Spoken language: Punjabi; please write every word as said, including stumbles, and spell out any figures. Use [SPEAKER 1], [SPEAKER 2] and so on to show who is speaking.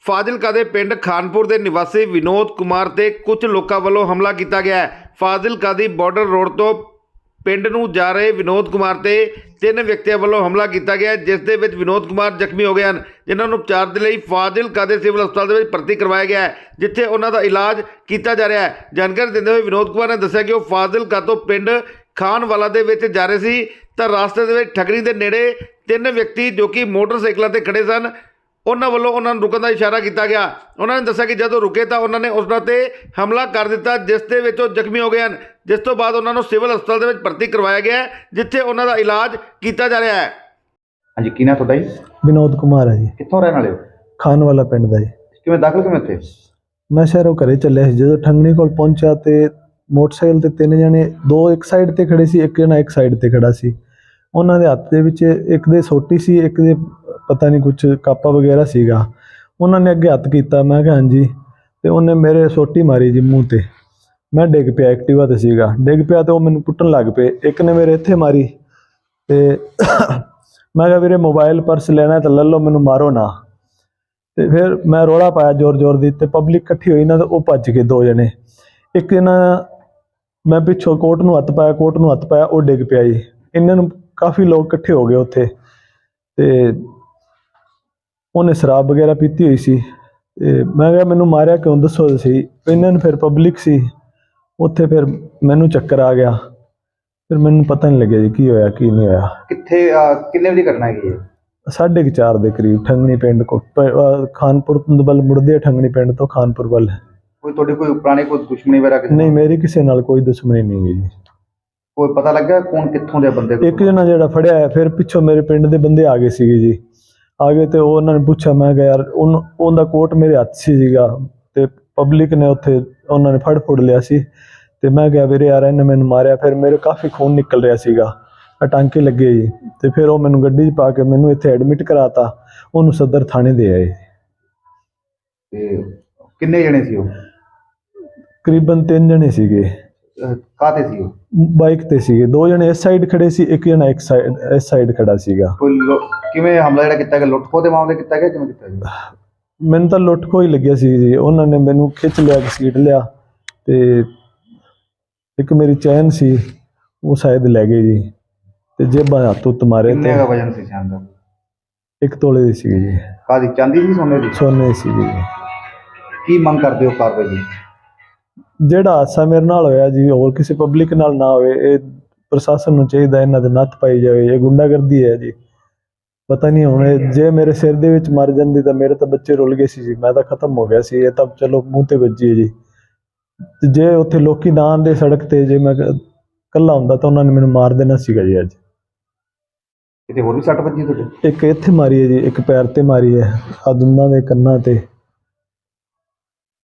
[SPEAKER 1] ਫਾਜ਼ਿਲਕਾ ਦੇ ਪਿੰਡ ਖਾਨਪੁਰ ਦੇ ਨਿਵਾਸੀ ਵਿਨੋਦ ਕੁਮਾਰ ਤੇ ਕੁਝ ਲੋਕਾਂ ਵੱਲੋਂ ਹਮਲਾ ਕੀਤਾ ਗਿਆ ਹੈ। ਫਾਜ਼ਿਲਕਾ ਦੀ ਬਾਰਡਰ ਰੋਡ ਤੋਂ ਪਿੰਡ ਨੂੰ ਜਾ ਰਹੇ ਵਿਨੋਦ ਕੁਮਾਰ ਤੇ ਤਿੰਨ ਵਿਅਕਤੀਆਂ ਵੱਲੋਂ ਹਮਲਾ ਕੀਤਾ ਗਿਆ, ਜਿਸ ਦੇ ਵਿੱਚ ਵਿਨੋਦ ਕੁਮਾਰ ਜ਼ਖਮੀ ਹੋ ਗਏ ਹਨ, ਜਿਨ੍ਹਾਂ ਨੂੰ ਉਪਚਾਰ ਦੇ ਲਈ ਫਾਜ਼ਿਲਕਾ ਦੇ ਸਿਵਲ ਹਸਪਤਾਲ ਦੇ ਵਿੱਚ ਭਰਤੀ ਕਰਵਾਇਆ ਗਿਆ ਹੈ, ਜਿੱਥੇ ਉਹਨਾਂ ਦਾ ਇਲਾਜ ਕੀਤਾ ਜਾ ਰਿਹਾ ਹੈ। ਜਾਣਕਾਰੀ ਦਿੰਦੇ ਹੋਏ ਵਿਨੋਦ ਕੁਮਾਰ ਨੇ ਦੱਸਿਆ ਕਿ ਉਹ ਫਾਜ਼ਿਲਕਾ ਤੋਂ ਪਿੰਡ ਖਾਨਵਾਲਾ ਦੇ ਵਿੱਚ ਜਾ ਰਹੇ ਸੀ ਤਾਂ ਰਸਤੇ ਦੇ ਵਿੱਚ ਠਗਰੀ ਦੇ ਨੇੜੇ ਤਿੰਨ ਵਿਅਕਤੀ ਜੋ ਕਿ ਮੋਟਰਸਾਈਕਲਾਂ ਤੇ ਖੜੇ ਸਨ, ਉਹਨਾਂ ਵੱਲੋਂ ਉਹਨਾਂ ਨੂੰ ਰੁਕਣ ਦਾ ਇਸ਼ਾਰਾ ਕੀਤਾ ਗਿਆ। ਉਹਨਾਂ ਨੇ ਦੱਸਿਆ ਕਿ ਜਦੋਂ ਰੁਕੇ ਤਾਂ ਉਹਨਾਂ ਨੇ ਉਹਨਾਂ ਤੇ ਹਮਲਾ ਕਰ ਦਿੱਤਾ, ਜਿਸ ਦੇ ਵਿੱਚ ਉਹ ਜ਼ਖਮੀ ਹੋ ਗਏ ਹਨ, ਜਿਸ ਤੋਂ ਬਾਅਦ ਉਹਨਾਂ ਨੂੰ ਸਿਵਲ ਹਸਪਤਾਲ ਦੇ ਵਿੱਚ ਭਰਤੀ ਕਰਵਾਇਆ ਗਿਆ ਹੈ, ਜਿੱਥੇ ਉਹਨਾਂ ਦਾ ਇਲਾਜ ਕੀਤਾ ਜਾ ਰਿਹਾ ਹੈ।
[SPEAKER 2] ਹਾਂਜੀ, ਕੀ ਨਾਮ ਤੁਹਾਡਾ ਜੀ?
[SPEAKER 3] ਵਿਨੋਦ ਕੁਮਾਰ ਹੈ ਜੀ।
[SPEAKER 2] ਕਿੱਥੋਂ ਰਹਿਣ ਵਾਲੇ ਹੋ?
[SPEAKER 3] ਖਾਨਵਾਲਾ ਪਿੰਡ ਦਾ ਜੀ।
[SPEAKER 2] ਕਿਵੇਂ ਦਾਖਲ ਕਿਵੇਂ ਇੱਥੇ?
[SPEAKER 3] ਮੈਂ ਸ਼ਹਿਰੋਂ ਘਰੇ ਚੱਲਿਆ ਸੀ, ਜਦੋਂ ਠੰਗਣੀ ਕੋਲ ਪਹੁੰਚਿਆ ਤੇ ਮੋਟਰਸਾਈਕਲ ਤੇ ਤਿੰਨ ਜਣੇ, ਦੋ ਇੱਕ ਸਾਈਡ ਤੇ ਖੜੇ ਸੀ, ਇੱਕ ਜਣਾ ਇੱਕ ਸਾਈਡ ਤੇ ਖੜਾ ਸੀ। ਉਹਨਾਂ ਦੇ ਹੱਥ ਦੇ ਵਿੱਚ ਇੱਕ ਦੇ ਸੋਟੀ ਸੀ, ਇੱਕ ਦੇ ਪਤਾ ਨਹੀਂ ਕੁਛ ਕਾਪਾ ਵਗੈਰਾ ਸੀਗਾ। ਉਹਨਾਂ ਨੇ ਅੱਗੇ ਹੱਥ ਕੀਤਾ, ਮੈਂ ਕਿਹਾ ਹਾਂਜੀ, ਤੇ ਉਹਨੇ ਮੇਰੇ ਸੋਟੀ ਮਾਰੀ ਜੀ ਮੂੰਹ ਤੇ। ਮੈਂ ਡਿੱਗ ਪਿਆ, ਐਕਟਿਵਾ ਤੇ ਸੀਗਾ, ਡਿੱਗ ਪਿਆ ਤੇ ਉਹ ਮੈਨੂੰ ਕੁੱਟਣ ਲੱਗ ਪਏ। ਇੱਕ ਨੇ ਮੇਰੇ ਇੱਥੇ ਮਾਰੀ ਤੇ ਮੈਂ ਕਿਹਾ ਵੀਰੇ ਮੋਬਾਈਲ ਪਰਸ ਲੈਣਾ ਤਾਂ ਲੈ ਲਓ, ਮੈਨੂੰ ਮਾਰੋ ਨਾ। ਤੇ ਫਿਰ ਮੈਂ ਰੌਲਾ ਪਾਇਆ ਜ਼ੋਰ ਜ਼ੋਰ ਦੀ, ਤੇ ਪਬਲਿਕ ਇਕੱਠੀ ਹੋਈ ਨਾ, ਤੇ ਉਹ ਭੱਜ ਗਏ ਦੋ ਜਣੇ। ਇੱਕ ਇਹਨਾਂ ਮੈਂ ਪਿੱਛੋਂ ਕੋਟ ਨੂੰ ਹੱਥ ਪਾਇਆ, ਕੋਟ ਨੂੰ ਹੱਥ ਪਾਇਆ, ਉਹ ਡਿੱਗ ਪਿਆ ਜੀ। ਇਹਨਾਂ ਨੂੰ ਕਾਫੀ ਲੋਕ ਇਕੱਠੇ ਹੋ ਗਏ ਉੱਥੇ, ਤੇ ਉਹਨੇ ਸ਼ਰਾਬ ਵਗੈਰਾ ਪੀਤੀ ਹੋਈ ਸੀ। ਤੇ ਮੈਂ ਕਿਹਾ ਮੈਨੂੰ ਮਾਰਿਆ ਕਿਉਂ, ਦੱਸੋ ਸੀ। ਇਹਨਾਂ ਨੂੰ ਫਿਰ ਪਬਲਿਕ ਸੀ ਉੱਥੇ, ਫਿਰ ਮੈਨੂੰ ਚੱਕਰ ਆ ਗਿਆ, ਫਿਰ ਮੈਨੂੰ ਪਤਾ ਨਹੀਂ ਲੱਗਿਆ ਜੀ ਕੀ ਹੋਇਆ ਕੀ ਨਹੀਂ ਹੋਇਆ।
[SPEAKER 2] ਕਿੱਥੇ ਕਿੰਨੇ ਵਜੇ ਘਟਨਾ ਹੈਗੀ ਹੈ?
[SPEAKER 3] ਸਾਢੇ ਕੁ ਚਾਰ ਦੇ ਕਰੀਬ ਠੰਗਣੀ ਪਿੰਡ ਕੋ ਖਾਨਪੁਰ ਵੱਲ ਮੁੜਦੇ, ਠੰਗਣੀ ਪਿੰਡ ਤੋਂ ਖਾਨਪੁਰ ਵੱਲ।
[SPEAKER 2] ਕੋਈ ਤੁਹਾਡੇ ਕੋਈ ਪੁਰਾਣੇ ਕੋਈ ਦੁਸ਼ਮਣੀ ਵਗੈਰਾ?
[SPEAKER 3] ਨਹੀਂ, ਮੇਰੀ ਕਿਸੇ ਨਾਲ ਕੋਈ ਦੁਸ਼ਮਣੀ ਨਹੀਂ ਗਈ ਜੀ।
[SPEAKER 2] ਕੋਈ ਪਤਾ ਲੱਗਾ ਕੌਣ ਕਿੱਥੋਂ ਦੇ ਬੰਦੇ?
[SPEAKER 3] ਇੱਕ ਜਣਾ ਜਿਹੜਾ ਫੜਿਆ ਹੈ, ਫਿਰ ਪਿੱਛੋਂ ਮੇਰੇ ਪਿੰਡ ਦੇ ਬੰਦੇ ਆ ਗਏ ਸੀਗੇ ਜੀ। ਆ ਗਏ ਤੇ ਉਹਨਾਂ ਨੇ ਪੁੱਛਿਆ, ਮੈਂ ਕਿਹਾ ਯਾਰ ਉਹਨੂੰ ਉਹਦਾ ਕੋਟ ਮੇਰੇ ਹੱਥ 'ਚ ਸੀਗਾ, ਤੇ ਪਬਲਿਕ ਨੇ ਉੱਥੇ ਉਹਨਾਂ ਨੇ ਫੜ ਫੁੜ ਲਿਆ ਸੀ। ਤੇ ਮੈਂ ਕਿਹਾ ਵੀਰੇ ਯਾਰ ਇਹਨੇ ਮੈਨੂੰ ਮਾਰਿਆ। ਫਿਰ ਮੇਰੇ ਕਾਫੀ ਖੂਨ ਨਿਕਲ ਰਿਹਾ ਸੀਗਾ, ਟਾਂਕੇ ਲੱਗੇ ਜੀ। ਤੇ ਫਿਰ ਉਹ ਮੈਨੂੰ ਗੱਡੀ 'ਚ ਪਾ ਕੇ ਮੈਨੂੰ ਇੱਥੇ ਐਡਮਿਟ ਕਰਾਤਾ, ਉਹਨੂੰ ਸਦਰ ਥਾਣੇ ਦੇ ਆਏ।
[SPEAKER 2] ਤੇ ਕਿੰਨੇ ਜਣੇ ਸੀ ਉਹ?
[SPEAKER 3] ਤਕਰੀਬਨ ਤਿੰਨ ਜਣੇ ਸੀਗੇ।
[SPEAKER 2] ਕਾਹਤੇ ਸੀ ਉਹ?
[SPEAKER 3] ਬਾਈਕ ਤੇ ਸੀਗੇ। ਦੋ ਜਣੇ ਇਸ ਸਾਈਡ ਖੜੇ ਸੀ, ਇੱਕ ਜਣਾ ਇੱਕ ਸਾਈਡ ਇਸ ਸਾਈਡ ਖੜਾ ਸੀਗਾ।
[SPEAKER 2] ਕੋਈ ਕਿਵੇਂ ਹਮਲਾ ਜਿਹੜਾ ਕੀਤਾ ਗਿਆ, ਲੁੱਟ ਖੋਹ ਦੇ ਮਾਮਲੇ ਕੀਤਾ ਗਿਆ, ਕਿਵੇਂ ਕੀਤਾ ਗਿਆ?
[SPEAKER 3] ਮੈਨੂੰ ਤਾਂ ਲੁੱਟ ਖੋਹ ਹੀ ਲੱਗਿਆ ਸੀ ਜੀ। ਉਹਨਾਂ ਨੇ ਮੈਨੂੰ ਖਿੱਚ ਲਿਆ, ਘਸੀਟ ਲਿਆ, ਤੇ ਇੱਕ ਮੇਰੀ ਚੈਨ ਸੀ ਉਹ ਸ਼ਾਇਦ ਲੈ ਗਏ ਜੀ, ਤੇ ਜੇਬਾਂ ਹੱਥ ਉੱਤ ਮਾਰੇ।
[SPEAKER 2] ਕਿੰਨੇ ਦਾ ਵਜਨ ਸੀ ਚੈਨ ਦਾ?
[SPEAKER 3] ਇੱਕ ਤੋਲੇ ਦੀ ਸੀਗੀ ਜੀ।
[SPEAKER 2] ਕਾਹਦੀ, ਚਾਂਦੀ ਦੀ ਸੋਨੇ ਦੀ?
[SPEAKER 3] ਸੋਨੇ ਦੀ ਸੀਗੀ ਜੀ।
[SPEAKER 2] ਕੀ ਮੰਗ ਕਰਦੇ ਹੋ ਕਾਰਵਾਈ ਦੀ?
[SPEAKER 3] ਜਿਹੜਾ ਹਾਦਸਾ ਮੇਰੇ ਨਾਲ ਹੋਇਆ ਜੀ, ਹੋਰ ਕਿਸੇ ਪਬਲਿਕ ਨਾਲ ਨਾ ਹੋਵੇ। ਇਹ ਪ੍ਰਸ਼ਾਸਨ ਨੂੰ ਚਾਹੀਦਾ ਇਹਨਾਂ ਦੇ ਨੱਥ ਪਾਈ ਜਾਵੇ। ਇਹ ਗੁੰਡਾਗਰਦੀ ਹੈ ਜੀ। ਪਤਾ ਨਹੀਂ ਹੁਣ ਜੇ ਮੇਰੇ ਸਿਰ ਦੇ ਵਿੱਚ ਮਰ ਜਾਂਦੀ ਤਾਂ ਮੇਰੇ ਤਾਂ ਬੱਚੇ ਰੁੱਲ ਗਏ ਸੀ ਜੀ, ਮੈਂ ਤਾਂ ਖਤਮ ਹੋ ਗਿਆ ਸੀ। ਇਹ ਤਾਂ ਚਲੋ ਮੂੰਹ ਤੇ ਵੱਜੀ ਹੈ ਜੀ। ਤੇ ਜੇ ਉੱਥੇ ਲੋਕੀ ਨਾ ਆਉਂਦੇ ਸੜਕ ਤੇ, ਜੇ ਮੈਂ ਇਕੱਲਾ ਹੁੰਦਾ ਤਾਂ ਉਹਨਾਂ ਨੇ ਮੈਨੂੰ ਮਾਰ ਦੇਣਾ ਸੀਗਾ ਜੀ। ਅੱਜ
[SPEAKER 2] ਕਿਤੇ ਹੋਰ ਵੀ ਸੱਟ ਵੱਜੀ ਤੁਹਾਡੇ?
[SPEAKER 3] ਇੱਕ ਇੱਥੇ ਮਾਰੀ ਹੈ ਜੀ, ਇੱਕ ਪੈਰ ਤੇ ਮਾਰੀ ਹੈ, ਆ ਦੋਨਾਂ ਦੇ ਕੰਨਾਂ ਤੇ।